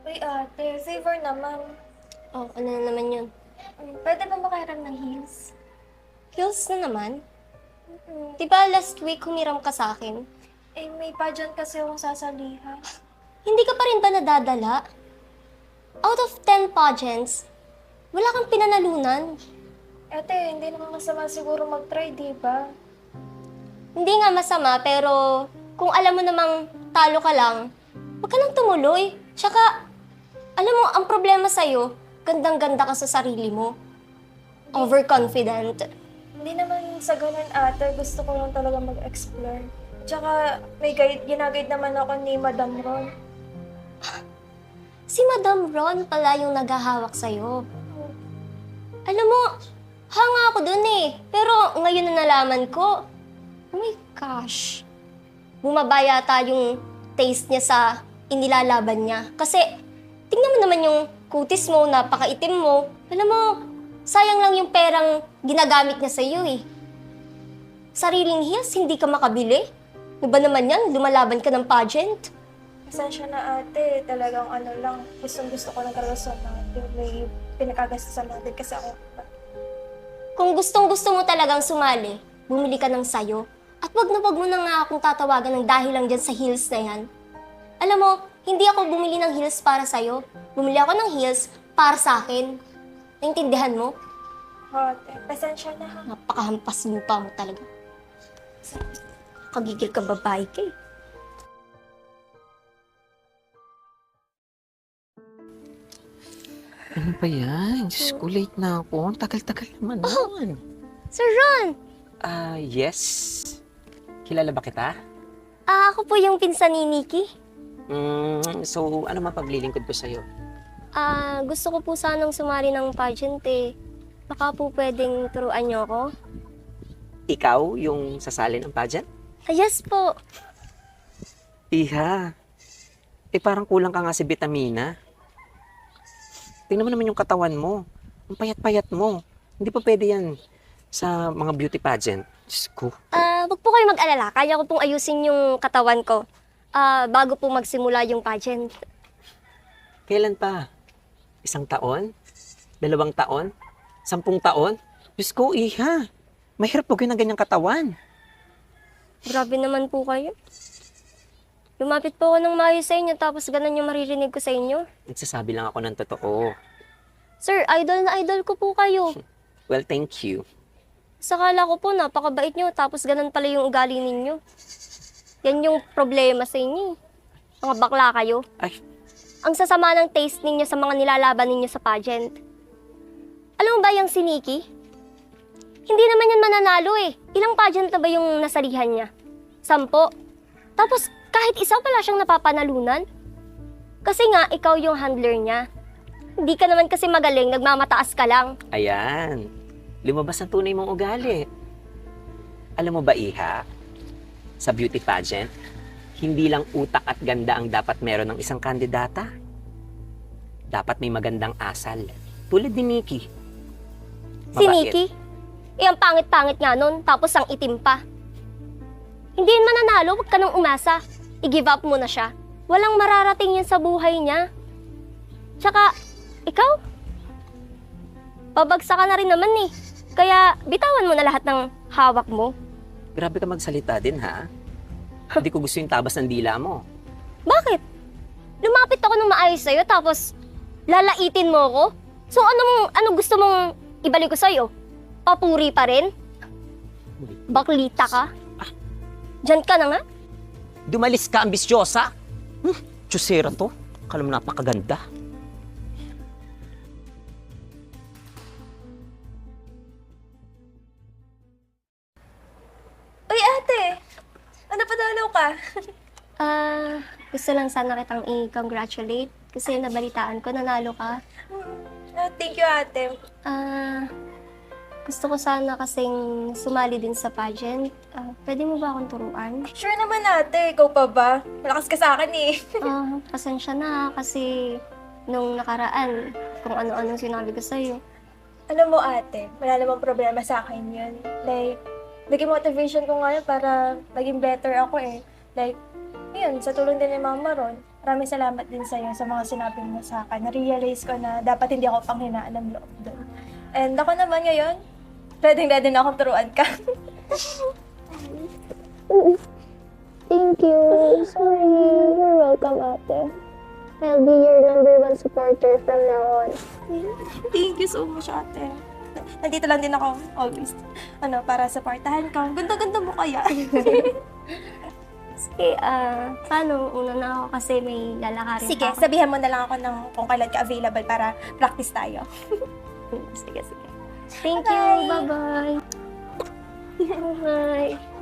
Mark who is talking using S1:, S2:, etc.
S1: Uy, ate, favor naman.
S2: Oh, ano na naman yun?
S1: Pwede ba makahiram ng heels?
S2: Heels na naman?
S1: Mm.
S2: Di ba last week humiram ka sa akin?
S1: Eh, may pageant kasi akong sasalihan.
S2: Hindi ka pa rin ba nadadala? Out of 10 pageants, wala kang pinanalunan.
S1: Ate, hindi naman masama siguro mag-try, di ba?
S2: Hindi nga masama, pero kung alam mo namang talo ka lang, huwag ka nang tumuloy. Tsaka, alam mo, ang problema sa'yo, gandang-ganda ka sa sarili mo. Overconfident.
S1: Hindi naman sa ganun, ate. Gusto ko lang talaga mag-explore. Tsaka, may ginaguide naman ako ni Madam Ron.
S2: Si Madam Ron pala yung naghahawak sa'yo. Alam mo, hanga ako dun eh. Pero ngayon na nalaman ko, oh my gosh, bumaba yata yung taste niya sa inilalaban niya. Kasi, tingnan mo naman yung kutis mo, napakaitim mo. Alam mo, sayang lang yung perang ginagamit niya sa iyo eh. Sariling heels, hindi ka makabili. Ano ba naman yan? Lumalaban ka ng pageant?
S1: Pasensya na, ate. Talagang ano lang. Gusto ko ng karanasan natin. May pinakagastusan natin kasi ako.
S2: Kung gustong-gusto mo talagang sumali, bumili ka ng sayo. At wag mo na nga akong tatawagan ng dahil lang dyan sa heels na yan. Alam mo, hindi ako bumili ng heels para sa'yo. Bumili ako ng heels para sa akin. Naintindihan mo?
S1: Ate, pasensya na ha.
S2: Napakahampas lupa mo talaga. Kagigil ka babae ka eh.
S3: Ano ba yan? Diyos ko, late na ako. Ang tagal-tagal naman nun.
S2: Sir Ron!
S3: Yes. Kilala ba kita?
S2: Ako po yung pinsan ni Nikki.
S3: So, ano mapaglilingkod ko sa'yo?
S2: Gusto ko po sanang sumali ng pageant eh. Baka po pwedeng turuan niyo ako?
S3: Ikaw yung sasali ng pageant?
S2: Yes po.
S3: Iha. Parang kulang ka nga si vitamina. Tingnan mo naman yung katawan mo. Ang payat-payat mo. Hindi pa pwede yan sa mga beauty pageant. Diyos ko.
S2: Wag po kayo mag-alala. Kaya ko pong ayusin yung katawan ko. Bago po magsimula yung pageant.
S3: Kailan pa? 1 taon? 2 taon? 10 taon? Diyos ko, iha. Mahirap po kayo ng ganyang katawan.
S2: Grabe naman po kayo. Lumapit po ako ng maayos sa inyo tapos ganun yung maririnig ko sa inyo.
S3: Nagsasabi lang ako ng totoo.
S2: Sir, idol na idol ko po kayo.
S3: Well, thank you.
S2: Sakala ko po napakabait nyo tapos ganun pala yung ugali ninyo. Yan yung problema sa inyo. Mga bakla kayo.
S3: Ay,
S2: Ang sasama ng taste ninyo sa mga nilalaban ninyo sa pageant. Alam mo ba yung si Nikki? Hindi naman yan mananalo eh. Ilang pageant na ba yung nasalihan niya? 10. Tapos kahit isa pala siyang napapanalunan. Kasi nga, ikaw yung handler niya. Hindi ka naman kasi magaling, nagmamataas ka lang.
S3: ayan. Lumabas ang tunay mong ugali. Alam mo ba, Iha? Sa beauty pageant, hindi lang utak at ganda ang dapat meron ng isang kandidata. Dapat may magandang asal. Tulad ni Nikki.
S2: Si
S3: Mabait.
S2: Nikki? Ang pangit-pangit nga nun, tapos ang itim pa. Hindi yan mananalo, huwag ka nang umasa. I-give up mo na siya. Walang mararating yan sa buhay niya. Tsaka, ikaw? Babagsak ka na rin naman eh. Kaya, bitawan mo na lahat ng hawak mo.
S3: Grabe ka magsalita din, ha? Hindi ko gusto yung tabas ng dila mo.
S2: Bakit? Lumapit ako ng maayos sa'yo, tapos lalaitin mo ako? So, ano gusto mong ibalik ko sa'yo? Papuri pa rin? Baklita ka? Diyan ka na nga?
S3: Dumalis ka, ambisyosa! Tiyosera to. Akala mo napakaganda.
S1: Uy, ate! Ano padalaw ka?
S2: Gusto lang sana kitang i-congratulate kasi nabalitaan ko, nanalo ka.
S1: Thank you, ate.
S2: Gusto ko sana kasing sumali din sa pageant. Pwede mo ba akong turuan?
S1: Sure naman, ate. Ikaw pa ba? Malakas ka sa akin eh.
S2: Pasensya na kasi nung nakaraan, kung ano-anong sinabi ko sa'yo.
S1: Alam mo, ate, wala namang problema sa akin yun. Like, naging motivation ko ngayon para maging better ako eh. Like, yun, sa tulong din ni Mama Ron. maraming salamat din sa'yo sa mga sinabi mo sa akin. Na-realize ko na dapat hindi ako panghinaan ng loob doon. And ako naman ngayon, ready na akong turuan ka.
S2: Thank you. Sorry. You're welcome, ate. I'll be your #1 supporter from now on.
S1: Thank you so much, ate. Nandito lang din ako always. Para supportahan ka. Ganda-ganda mo kaya.
S2: Sige, paano? Una na ako kasi may lalakarin
S1: Sige,
S2: pa ako.
S1: sabihan mo na lang ako kung kailan ka available para practice tayo.
S2: Sige. Thank you. Bye-bye. Bye-bye.